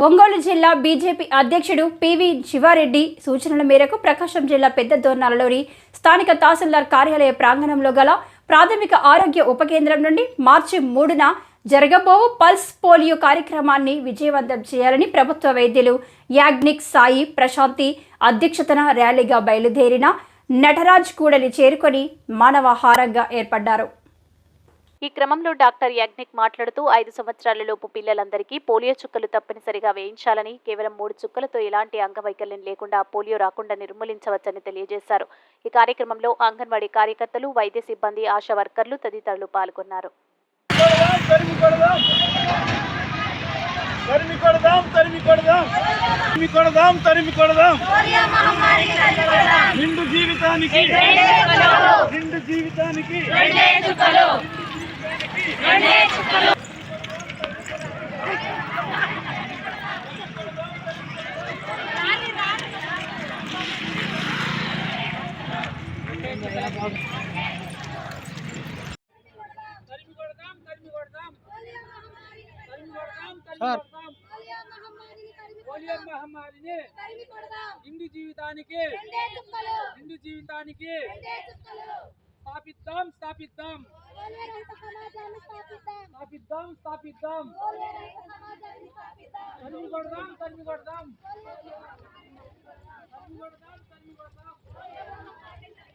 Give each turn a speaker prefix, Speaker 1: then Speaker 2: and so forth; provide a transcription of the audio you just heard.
Speaker 1: ఒంగోలు జిల్లా బీజేపీ అధ్యక్షుడు పివి శివారెడ్డి సూచనల మేరకు ప్రకాశం జిల్లా పెద్ద దోర్నాలలోని స్థానిక తహసీల్దార్ కార్యాలయ ప్రాంగణంలో గల ప్రాథమిక ఆరోగ్య ఉప కేంద్రం నుండి మార్చి 3న జరగబోవు పల్స్ పోలియో కార్యక్రమాన్ని విజయవంతం చేయాలని ప్రభుత్వ వైద్యులు యాగ్నిక్ సాయి ప్రశాంతి అధ్యక్షతన ర్యాలీగా బయలుదేరిన నటరాజ్ కూడలి చేరుకొని మానవహారంగా ఏర్పడ్డారు.
Speaker 2: ఈ క్రమంలో డాక్టర్ యాగ్నిక్ మాట్లాడుతూ 5 సంవత్సరాలలోపు పిల్లలందరికీ పోలియో చుక్కలు తప్పనిసరిగా వేయించాలని, కేవలం 3 చుక్కలతో ఎలాంటి అంగవైకల్యం లేకుండా పోలియో రాకుండా నిర్మూలించవచ్చని తెలియజేశారు. ఈ కార్యక్రమంలో అంగన్వాడీ కార్యకర్తలు, వైద్య సిబ్బంది, ఆశా వర్కర్లు తదితరులు పాల్గొన్నారు.
Speaker 3: పోలియో మహమ్మారిని నిండు జీవితానికి స్థాపిద్దాం స్థాపిద్దాం స్థాపిద్దాం స్థాపిద్దాం తరిమి కొడదాం తరిమి కొడదాం తరిమి కొడదాం తరిమి కొడదాం.